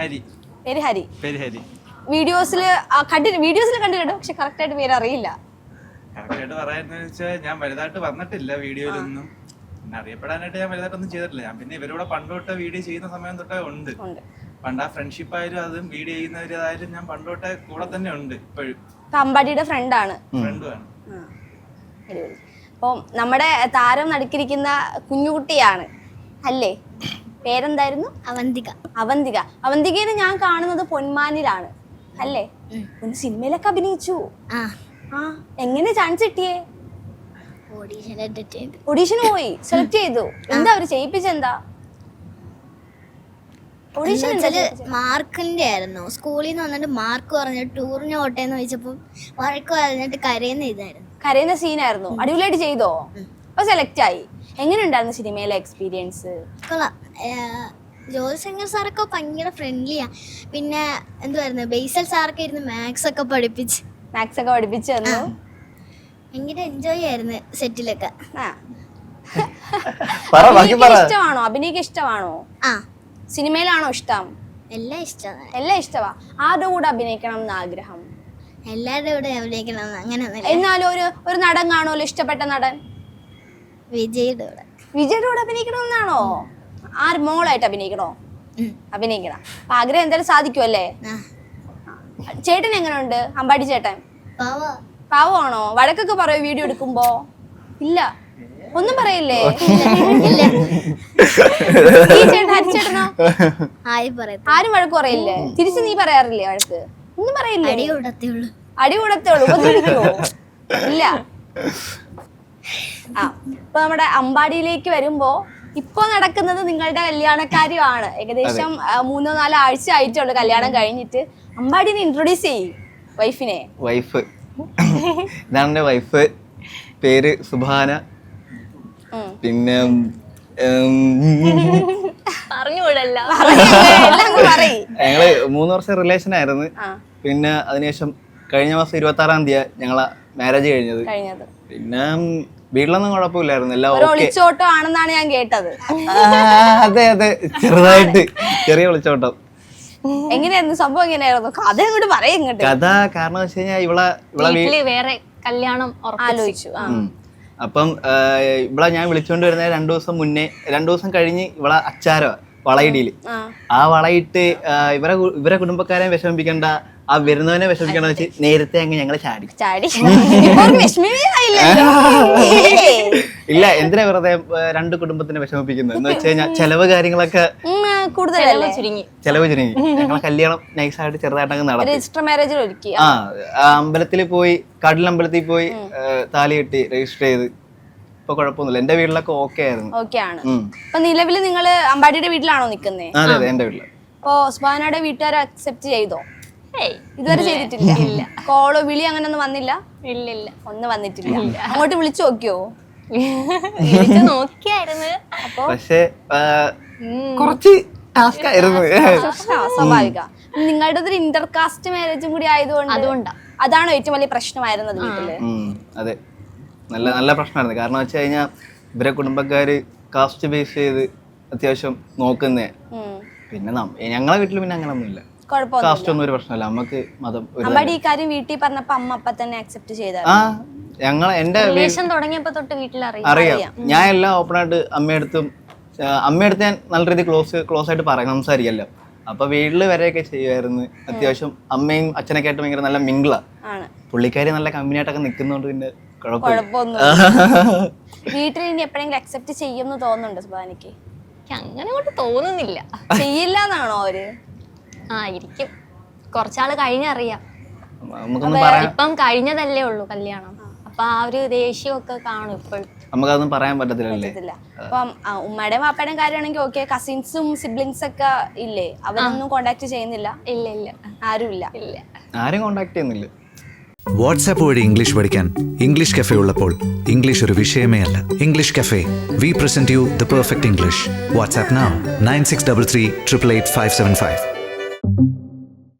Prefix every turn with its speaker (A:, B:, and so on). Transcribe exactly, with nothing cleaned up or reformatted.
A: ഹരി.
B: പേര് ഹരി.
A: പേര് ഹരി.
B: വീഡിയോസിൽ കണ്ടി വീഡിയോസിൽ കണ്ടിട്ടുണ്ട്, പക്ഷെ കറക്റ്റ് ആയിട്ട് പേര് അറിയില്ല.
A: കറക്റ്റ് ആയിട്ട് പറയാന്ന് വെച്ചാൽ ഞാൻ വലുതായിട്ട് വന്നിട്ടില്ല വീഡിയോയിലൊന്നും. പിന്നെ അറിയപ്പെടാനായിട്ട് ഞാൻ വലുതായിട്ടൊന്നും ചെയ്തിട്ടില്ല. ഞാൻ പിന്നെ ഇവരോട് പണ്ടോട്ട് വീഡിയോ ചെയ്യുന്ന സമയം തൊട്ടേ ഉണ്ട്. പണ്ട് ആ ഫ്രണ്ട്ഷിപ്പ് ആയാലും അതും വീഡിയോ ചെയ്യുന്നവരായാലും ഞാൻ പണ്ടോട്ടെ കൂടെ തന്നെ ഉണ്ട് ഇപ്പോഴും.
B: അമ്പാടിയുടെ ഫ്രണ്ടാണ്.
A: ഫ്രണ്ടുമാണ്.
B: അപ്പൊ നമ്മുടെ താരം നടുക്കിരിക്കുന്ന കുഞ്ഞുകുട്ടിയാണ് അല്ലേ? പേരെന്തായിരുന്നു?
C: അവന്തിക.
B: അവന്തിക. അവന്തികയെ ഞാൻ കാണുന്നത് പൊന്മാനിലാണ് അല്ലേ? ഒന്ന് സിനിമയിലൊക്കെ അഭിനയിച്ചു. ആ എങ്ങനെ ചാൻസ് കിട്ടിയേ? ഓഡീഷന് പോയി സെലക്ട് ചെയ്തു. എന്താ അവര് ചെയ്യിപ്പിച്ചെന്താ?
C: മാർക്കിന്റെ ആയിരുന്നു. സ്കൂളിൽ നിന്ന് വന്നിട്ട് മാർക്ക് പറഞ്ഞിട്ട് ടൂറിന് ഓട്ടേന്ന് ചോദിച്ചപ്പോ വഴക്ക് പറഞ്ഞിട്ട് കരയുന്ന ഇതായിരുന്നു.
B: കരയുന്ന സീനായിരുന്നു. അടിപൊളിയായിട്ട് ചെയ്തോ? അപ്പൊ സെലക്ട് ആയി. എങ്ങനെ ഉണ്ടായിരുന്നു സിനിമയിലെ എക്സ്പീരിയൻസ്?
C: കൊള്ളാം. ജോത്സംഗർ സാറൊക്കെ ഭയങ്കര ഫ്രണ്ട്ലിയാ. പിന്നെ എന്തുവായിരുന്നു, ബേസൽ സാറൊക്കെ ഇരുന്ന് മാത്സ് ഒക്കെ പഠിപ്പിച്ച്
B: മാത്സ് ഒക്കെ പഠിപ്പിച്ചു തന്നു.
C: ഭയങ്കര എൻജോയ് ആയിരുന്നു സെറ്റിലൊക്കെ.
B: ഇഷ്ടമാണോ? അഭിനയിക്ക് ഇഷ്ടമാണോ?
C: ആ.
B: സിനിമയിലാണോ ഇഷ്ടം?
C: എല്ലാം ഇഷ്ടമാണ്.
B: എല്ലാം ഇഷ്ടമാ. ആരുടെ കൂടെ അഭിനയിക്കണം എന്ന് ആഗ്രഹം?
C: എല്ലാവരുടെ കൂടെ അഭിനയിക്കണം അങ്ങനെ.
B: എന്നാലും ഒരു ഒരു നടൻ കാണുമല്ലോ, ഇഷ്ടപ്പെട്ട നടൻ?
C: വിജയുടെ കൂടെ.
B: വിജയുടെ കൂടെ അഭിനയിക്കണമെന്നാണോ? ആര് മോളായിട്ട് അഭിനയിക്കണോ? അഭിനയിക്കണം. അപ്പൊ ആഗ്രഹം എന്തായാലും സാധിക്കുമല്ലേ? ചേട്ടൻ എങ്ങനെയുണ്ട്? അമ്പാടി ചേട്ടൻ പാവമാണോ? വഴക്കൊക്കെ പറയോ വീഡിയോ എടുക്കുമ്പോ? ഇല്ല, ഒന്നും പറയില്ലേ? ഈ ചേട്ടൻ ഹരിച്ചേട്ടനോ? ആരും വഴക്ക് പറയില്ലേ? തിരിച്ച് നീ പറയാറില്ലേ വഴക്ക്? ഒന്നും പറയില്ലേ?
C: അടി കൂടത്തേ ഉള്ളൂ.
B: അടി കൂടത്തേ ഉള്ളൂ. ഉപദ്രവിക്കുവോ? ഇല്ല. ആ ഇപ്പൊ നമ്മുടെ അമ്പാടിയിലേക്ക് വരുമ്പോ ഇപ്പൊ നടക്കുന്നത് നിങ്ങളുടെ കല്യാണക്കാര്യമാണ്. ഏകദേശം മൂന്നോ നാലോ ആഴ്ച ആയിട്ടുള്ളൂ കല്യാണം കഴിഞ്ഞിട്ട്. അമ്പാടിനെ ഇൻട്രൊഡ്യൂസ് ചെയ്യും വൈഫിനെ.
D: വൈഫ് ഇതാണ് എന്റെ വൈഫ്. പേര് സുഭാന. പിന്നെ ഞങ്ങള് മൂന്ന് വർഷം റിലേഷൻ ആയിരുന്നു. പിന്നെ അതിനുശേഷം കഴിഞ്ഞ മാസം ഇരുപത്തി ആറാം തീയതി ഞങ്ങളെ മാരേജ് കഴിഞ്ഞത്. പിന്നെ വീട്ടിലൊന്നും കുഴപ്പമില്ലായിരുന്നു. എല്ലാം
B: ഒളിച്ചോട്ടം ആണെന്നാണ് ഞാൻ കേട്ടത്.
D: അതെ അതെ, ചെറുതായിട്ട് ചെറിയ ഒളിച്ചോട്ടം.
B: എങ്ങനെയായിരുന്നു സംഭവം? എങ്ങനെയായിരുന്നു കഥ? അങ്ങോട്ട് പറയും.
D: കഥ കാരണം വെച്ച് കഴിഞ്ഞാൽ ഇവളെ ഇവളെ
B: വേറെ കല്യാണം ആലോചിച്ചു.
D: അപ്പം ഇവിടെ ഞാൻ വിളിച്ചോണ്ട് വരുന്ന രണ്ടു ദിവസം മുന്നേ, രണ്ടു ദിവസം കഴിഞ്ഞ് ഇവളെ അച്ചാരോ വളയിടിയില് ആ വളയിട്ട് ഇവരെ ഇവരെ കുടുംബക്കാരെ വിഷമിപ്പിക്കണ്ട, ആ വരുന്നവനെ വിഷമിക്കണ്ട വെച്ച് നേരത്തെ അങ്ങ് ഞങ്ങള് ചാടി ചാടി ഇല്ല, എന്തിനാ വെറുതെ രണ്ട് കുടുംബത്തിനെ വിഷമിപ്പിക്കുന്നത് എന്ന് വെച്ച് കഴിഞ്ഞാൽ ചെലവ് കാര്യങ്ങളൊക്കെ
B: കൂടുതലല്ലേ,
D: ചെലവ് ചുരുങ്ങി. ഞങ്ങളെ കല്യാണം നൈസായിട്ട് ചെറുതായിട്ടങ്ങ് നടത്തി.
B: രജിസ്റ്റർ മാരേജിൽ ഒരുക്കി.
D: ആ അമ്പലത്തിൽ പോയി, കടലമ്പലത്തിൽ പോയി താലി കെട്ടി രജിസ്റ്റർ ചെയ്ത്. ഇപ്പൊ കുഴപ്പമൊന്നുമില്ല. എന്റെ വീട്ടിലൊക്കെ ഓക്കെ ആയിരുന്നു.
B: ഓക്കെ ആണ്. അപ്പൊ നിലവില് നിങ്ങള് അമ്പാടിയുടെ വീട്ടിലാണോ നിക്കുന്നേ?
D: അതെ അതെ, എന്റെ വീട്ടില്.
B: അപ്പൊ സുബാനയുടെ വീട്ടുകാരെ അക്സെപ്റ്റ് ചെയ്തോ? ഇതുവരെ ചെയ്തിട്ടില്ല. ഇല്ല. കോളോ വിളി അങ്ങനെ ഒന്നും വന്നില്ല? ഇല്ല ഇല്ല, ഒന്നും വന്നിട്ടില്ല. അങ്ങോട്ട് വിളിച്ചു നോക്കിയോ? നോക്കിയായിരുന്നു. അപ്പൊ
D: പക്ഷേ കുറച്ച് ടാസ്ക് ആയിരുന്നു.
B: സ്വാഭാവിക. നിങ്ങളുടെ ഒരു ഇന്റർകാസ്റ്റ് മാരേജും കൂടി ആയതുകൊണ്ട് അതുകൊണ്ടാ അതാണോ ഏറ്റവും വലിയ പ്രശ്നമായിരുന്നത് വീട്ടില്?
D: അതെ, നല്ല നല്ല പ്രശ്നമായിരുന്നു. കാരണം വെച്ച് കഴിഞ്ഞാൽ ഇവരെ കുടുംബക്കാര് കാസ്റ്റ് ബേസ് ചെയ്ത് അത്യാവശ്യം നോക്കുന്നേ. പിന്നെ ഞങ്ങളെ വീട്ടിൽ പിന്നെ അങ്ങനെ ഒന്നുമില്ല. കാസ്റ്റ് ഒന്നും ഒരു പ്രശ്നമല്ല. നമുക്ക് മതം
B: ഈ കാര്യം വീട്ടിൽ പറഞ്ഞപ്പോ അമ്മ അപ്പ തന്നെ അക്സെപ്റ്റ് ചെയ്ത?
D: ആ, ഞങ്ങൾ എന്റെ
B: തുടങ്ങിയപ്പോ തൊട്ട് വീട്ടിൽ
D: അറിയാം. ഞാൻ എല്ലാം ഓപ്പൺ ആയിട്ട് അമ്മയടുത്തും അമ്മയടുത്ത് ഞാൻ നല്ല രീതിയിൽ ക്ലോസ് ക്ലോസ് ആയിട്ട് പറയാം, സംസാരിക്കല്ലോ. അപ്പൊ വീട്ടില് വരെയൊക്കെ ചെയ്യുമായിരുന്നു. അത്യാവശ്യം അമ്മയും അച്ഛനൊക്കെ ആയിട്ട് ഭയങ്കര നല്ല മിങ്കിളാ. പുള്ളിക്കാരി നല്ല കമ്പനി ആയിട്ടൊക്കെ നിൽക്കുന്നോണ്ട് പിന്നെ
B: കുഴപ്പമൊന്നും. വീട്ടിൽ ഇനി എപ്പോഴെങ്കിലും അക്സെപ്റ്റ് ചെയ്യുമെന്ന് തോന്നുന്നുണ്ടോ സുബാനിക്ക്?
E: അങ്ങനെ കൊണ്ട് തോന്നുന്നില്ല.
B: ചെയ്യില്ല എന്നാണോ അവര്?
E: ആയിരിക്കും, കുറച്ചാള് കഴിഞ്ഞറിയാം.
D: ഇപ്പം
E: കഴിഞ്ഞതല്ലേ ഉള്ളൂ കല്യാണം. അപ്പൊ ആ ഒരു ദേഷ്യമൊക്കെ കാണും ഇപ്പോഴും.
D: നമുക്കതൊന്നും പറയാൻ പറ്റത്തില്ല.
B: അപ്പം ഉമ്മയുടെയും വാപ്പയുടെയും കാര്യമാണെങ്കിൽ ഓക്കെ. കസിൻസും സിബ്ലിങ്സ് ഒക്കെ ഇല്ലേ? അവരൊന്നും കോണ്ടാക്ട് ചെയ്യുന്നില്ല?
E: ഇല്ല ഇല്ല,
B: ആരും ഇല്ല.
E: ഇല്ല,
D: ആരും കോണ്ടാക്ട് ചെയ്യുന്നില്ല.
F: വാട്സാപ്പ് വഴി ഇംഗ്ലീഷ് പഠിക്കാൻ ഇംഗ്ലീഷ് കഫേ ഉള്ളപ്പോൾ ഇംഗ്ലീഷ് ഒരു വിഷയമേ അല്ല. English cafe, we present you the perfect English. WhatsApp now nine six three three eight eight five seven five.